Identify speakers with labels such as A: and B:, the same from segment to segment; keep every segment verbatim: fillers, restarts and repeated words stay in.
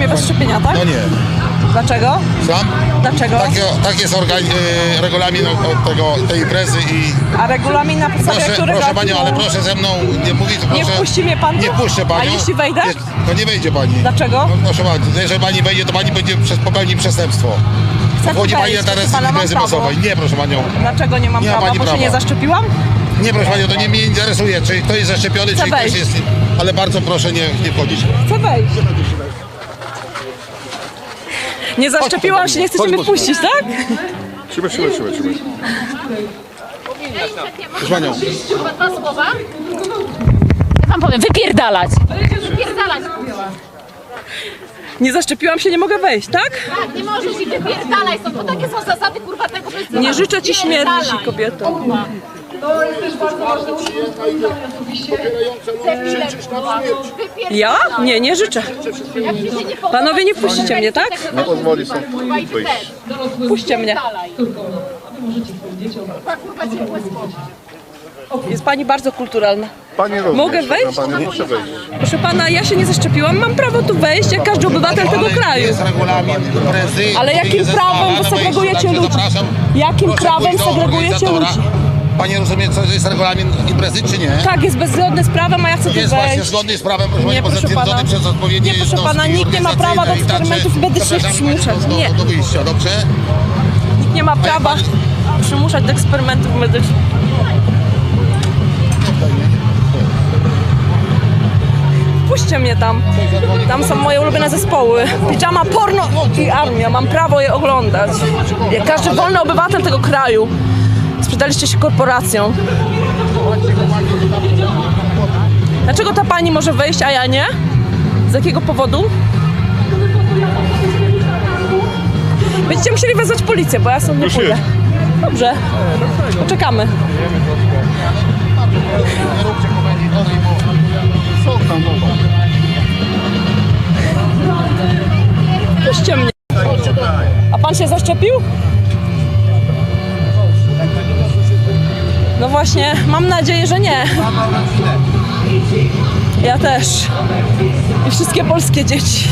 A: mogę bez szczepienia, tak?
B: No nie.
A: Dlaczego?
B: Słucham?
A: Dlaczego?
B: Tak, tak jest organ, y, regulamin od tego, tej imprezy i...
A: A regulamin na podstawie
B: Proszę,
A: którego...
B: proszę Panią, ale proszę ze mną nie mówić, proszę...
A: Nie wpuści mnie Pan tu?
B: Nie wpuszczę Panią.
A: A jeśli wejdę?
B: Nie, to nie wejdzie Pani.
A: Dlaczego?
B: No, proszę Pani, jeżeli Pani wejdzie, to Pani będzie przez popełni przestępstwo.
A: Chcę
B: Wchodzi Pani
A: wejść,
B: na teren
A: Pana mam
B: imprezy
A: prawo.
B: masowej. Nie, proszę Panią.
A: Dlaczego nie mam
B: Nie ma
A: prawa?
B: pani
A: Bo się
B: prawa.
A: nie zaszczepiłam?
B: Nie, proszę Panią, to nie mnie interesuje, czy ktoś jest zaszczepiony,
A: Chcę
B: czy ktoś
A: wejść.
B: jest... Ale bardzo proszę nie, nie wchodzić.
A: Chcę wejść. Nie zaszczepiłam się, nie chcecie mnie wpuścić, tak?
B: Trzymaj, trzymaj, trzymaj, trzymaj. Proszę Panią.
C: Dwa słowa? Ja wam powiem, wypierdalać! Wypierdalać!
A: Nie zaszczepiłam się, nie mogę wejść, tak?
C: Tak, nie możesz i wypierdalaj, są, to takie są zasady kurwa tego festiwalu.
A: Nie życzę ci śmierci,
C: Wypierdalaj.
A: kobieto. Ja? Nie, nie życzę.
C: Jak ci się nie podoba,
A: Panowie, nie wpuścicie mnie, tak?
B: Nie pozwoli sobie
C: kurwa i ty
B: wyjść.
C: też.
A: Puśćcie mnie.
C: Wypierdalaj. Kurwa, kurwa ciepłe słowo.
A: Jest pani bardzo kulturalna.
B: Pani również.
A: Mogę wejść?
B: Pani muszę wejść.
A: Proszę pana, ja się nie zaszczepiłam, mam prawo tu wejść, jak każdy obywatel tego
B: Ale
A: kraju.
B: jest regulamin imprezy.
A: Ale jakim
B: który zezwala
A: prawem
B: na
A: wy
B: wejście,
A: segregujecie
B: także
A: ludzi?
B: zapraszam.
A: Jakim
B: Proszę
A: prawem
B: pójść do
A: segregujecie
B: organizatora.
A: ludzi?
B: Pani rozumie, co jest regulamin imprezy, czy nie?
A: Tak, jest bezzgodny z prawem, a ja chcę tu
B: Jest właśnie
A: wejść.
B: zgodny z prawem, proszę
A: Nie,
B: Pani,
A: proszę
B: zatwierdzony
A: pana.
B: przez odpowiednie
A: Nie, proszę
B: jednostki
A: pana, nikt nie ma prawa do
B: organizacyjne i także
A: eksperymentów i będę się
B: zapraszamy Panią
A: przymuszać.
B: do,
A: Nie.
B: do wyjścia, dobrze?
A: Nikt nie ma prawa przymuszać do eksperymentów medycznych. Puśćcie mnie tam. Tam są moje ulubione zespoły. Pijama, porno i armia. Mam prawo je oglądać. Jak każdy wolny obywatel tego kraju. Sprzedaliście się korporacjom. Dlaczego ta pani może wejść, a ja nie? Z jakiego powodu? Będziecie musieli wezwać policję, bo ja stąd nie pójdę. Dobrze. Poczekamy.
B: Nie róbcie komedii dalej, bo są tam doba.
A: Puśćcie mnie. A pan się zaszczepił? No właśnie, mam nadzieję, że nie. Ja też. I wszystkie polskie dzieci.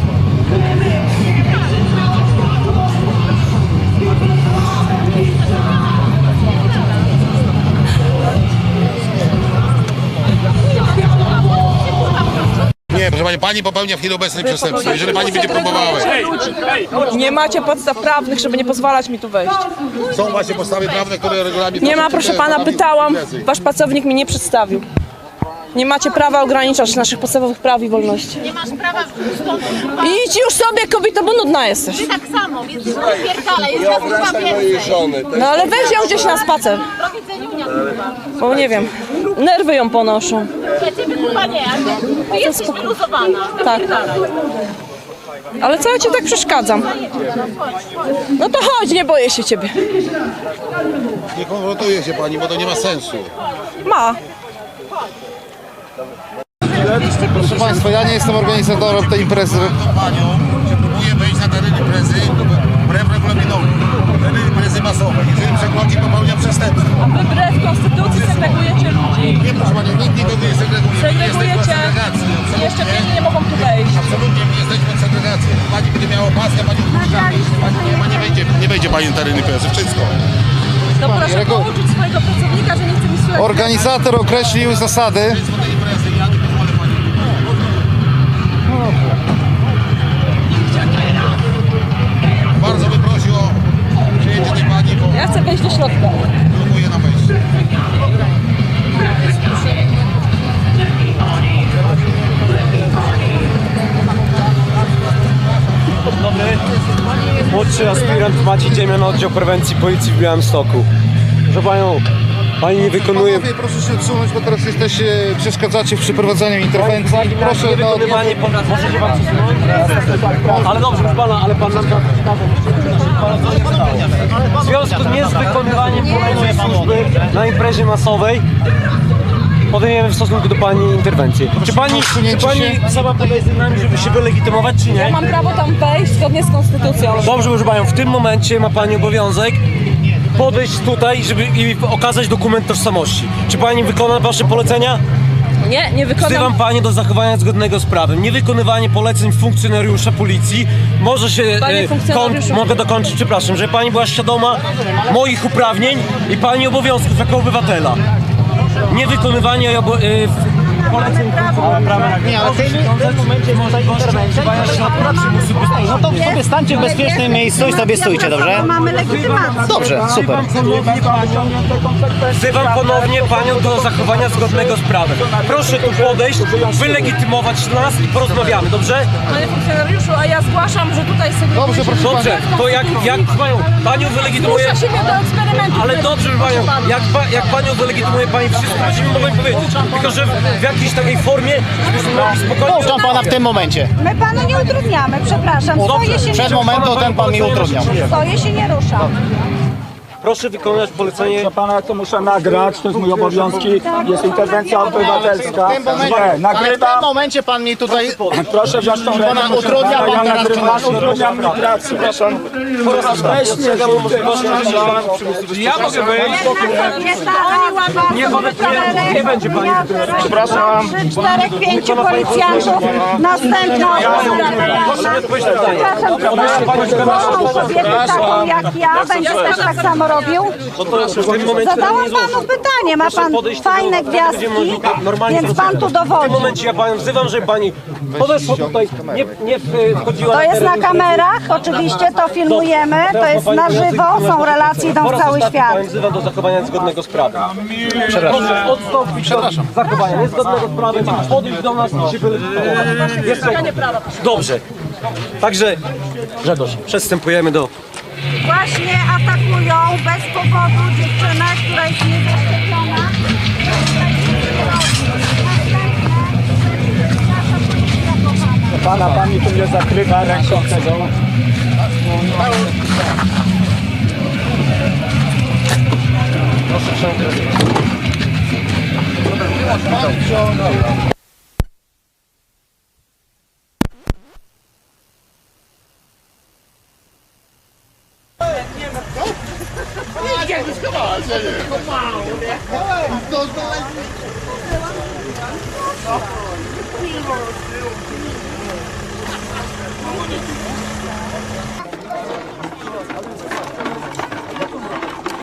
B: Nie, proszę Pani, Pani popełnia w chwili obecnej przestępstwo. Jeżeli Pani będzie próbowała.
A: Nie macie podstaw prawnych, żeby nie pozwalać mi tu wejść.
B: Są właśnie podstawy prawne, które regulamin...
A: Nie ma, proszę pana, pytałam.
B: imprezy.
A: Wasz pracownik mi nie przedstawił. Nie macie prawa ograniczać naszych podstawowych praw i wolności.
C: Nie masz prawa stąd kurwa.
A: Idź już sobie, kobieto, bo nudna jesteś.
C: Ty tak samo, więc wypierdalaj, jest nas kurwa więcej.
A: No ale weź ją gdzieś na spacer.
C: Do widzenia, kurwa.
A: Bo nie wiem, nerwy ją ponoszą.
C: Ja ciebie kurwa nie, ale ty jesteś wyluzowana.
A: Tak.
C: Wypierdalaj.
A: Ale co ja ci tak przeszkadzam? No to chodź, nie boję się ciebie.
B: Nie konfrontuje się Pani, bo to nie ma sensu.
A: Ma.
D: Proszę Państwa, ja nie jestem organizatorem tej imprezy.
B: Panią, że próbuje wejść na teren imprezy wbrew regulaminowi. Teren imprezy masowej. Jeżeli przekroczy, popełnia przestępstwo.
A: A wy wbrew konstytucji segregujecie ludzi.
B: Nie, proszę Panią, nikt nikogo nie segreguje. My jesteśmy od
A: Segregujecie.
B: segregacji.
A: I
B: Absolutnie.
A: jeszcze nie mogą tu wejść.
B: Absolutnie, my jesteśmy od segregacji. Pani będzie miała opaskę, Pani wpuszcza. Pani nie, ma, nie, wejdzie, nie wejdzie Pani na teren imprezy. Wszystko.
A: To proszę
D: regu-
A: pouczyć swojego pracownika, że nie chce mi słuchać.
D: Organizator określił zasady.
B: Państwo tej imprezy, ja nie pozwolę Pani. Bardzo bym prosił o przyjęcie tej Pani, bo
A: Ja chcę wejść do środka.
B: próbuje na wejście.
E: Młodszy aspirant Maciej Dziemian, oddział prewencji policji w Białymstoku. Proszę panią, pani nie wykonuje...
D: Panowie, proszę się odsunąć, bo teraz jesteście, przeszkadzacie w przeprowadzaniu interwencji. Proszę, no,
E: Wykonywanie... Może się pan przesunąć? Ale dobrze, proszę pana, ale pan nam to w związku nie z wykonywaniem poleceń służby na imprezie masowej podejmiemy w stosunku do pani interwencję. Czy pani, czy pani sama podaje z nami, żeby się wylegitymować, czy
A: Ja
E: nie?
A: mam prawo tam wejść zgodnie z konstytucją.
E: Dobrze, proszę panią, w tym momencie ma pani obowiązek podejść tutaj, żeby i okazać dokument tożsamości. Czy pani wykona wasze polecenia?
A: Nie, nie wykonam.
E: Wzywam panią do zachowania zgodnego z prawem. Niewykonywanie poleceń funkcjonariusza policji może się...
A: Panie
E: e,
A: funkcjonariuszu.
E: koń- mogę dokończyć, przepraszam, że pani była świadoma moich uprawnień i pani obowiązków jako obywatela. Niewykonywanie obo- e, poleceń funkcjonariusza.
F: Nie, ale w tym, w tym momencie jest tutaj interwencja. No to sobie stańcie w bezpiecznym miejscu i sobie stójcie, dobrze?
G: Mamy legitymację.
F: Dobrze, super.
E: Wzywam ponownie panią do zachowania zgodnego z prawem. Proszę tu podejść, wylegitymować nas i porozmawiamy, dobrze?
A: Panie funkcjonariuszu, a ja zgłaszam, że tutaj sobie...
D: Dobrze, proszę
E: Dobrze, to jak, jak panią, panią wylegitymuje...
A: Zmusza się mnie do eksperymentu.
E: Ale
A: który
E: dobrze,
A: jest
E: panią,
A: przygotowany.
E: jak, pa, jak panią wylegitymuje pani wszystko, będziemy mogli powiedzieć. Tylko, że w jakiejś takiej formie, żebyśmy mogli spokojnie...
F: Pouczam pana w tym momencie.
G: My panu nie utrudniamy, przepraszam. Stoję się
F: Przed
G: nie
F: momentem ten pan mi utrudniał.
G: Stoję się nie rusza.
E: Proszę wykonać polecenie...
H: Dla pana to muszę nagrać, to jest mój obowiązki, jest interwencja obywatelska.
F: W tym momencie,
H: Nie,
F: ale w
H: nagrywam,
F: tym momencie pan mi tutaj...
H: proszę wziąć tą
F: Pana
H: rękę,
F: utrudnia pan
H: ja
F: teraz
H: nagrywam,
F: czynność.
H: utrudnia mi pracę, przepraszam. Weź mnie, ja mogę wyjść.
G: Nie, nie,
E: nie będzie pani.
G: Przepraszam. Trzy, czterech, pięciu policjantów. Następna osoba.
E: Proszę mi odpowiedzieć na pytanie.
G: Przepraszam, kocham kobietę taką jak ja. Będzie też tak samo robił.
E: W tym momencie
G: Zadałam
E: nie
G: panu pytanie. Ma pan
E: podejść
G: fajne
E: do-
G: gwiazdki,
E: normalnie
G: więc pan tu
E: W tym
G: dowodzi.
E: momencie ja panią wzywam, żeby pani podeszła tutaj, nie, nie wchodziła
G: To jest na
E: teren-
G: kamerach, oczywiście to filmujemy, to jest na żywo, są relacje, idą w cały świat.
E: Pani wzywam do zachowania zgodnego z prawem. Proszę odstąpić od zachowania niezgodnego z prawem, podejść do nas i się wylegitymować. Jeszcze... Dobrze. Także, Grzegorz, przystępujemy do...
G: Właśnie atakują bez powodu dziewczynę, która jest niezaszczepiona.
H: Pana, pani tu mnie zakrywa ręką tego.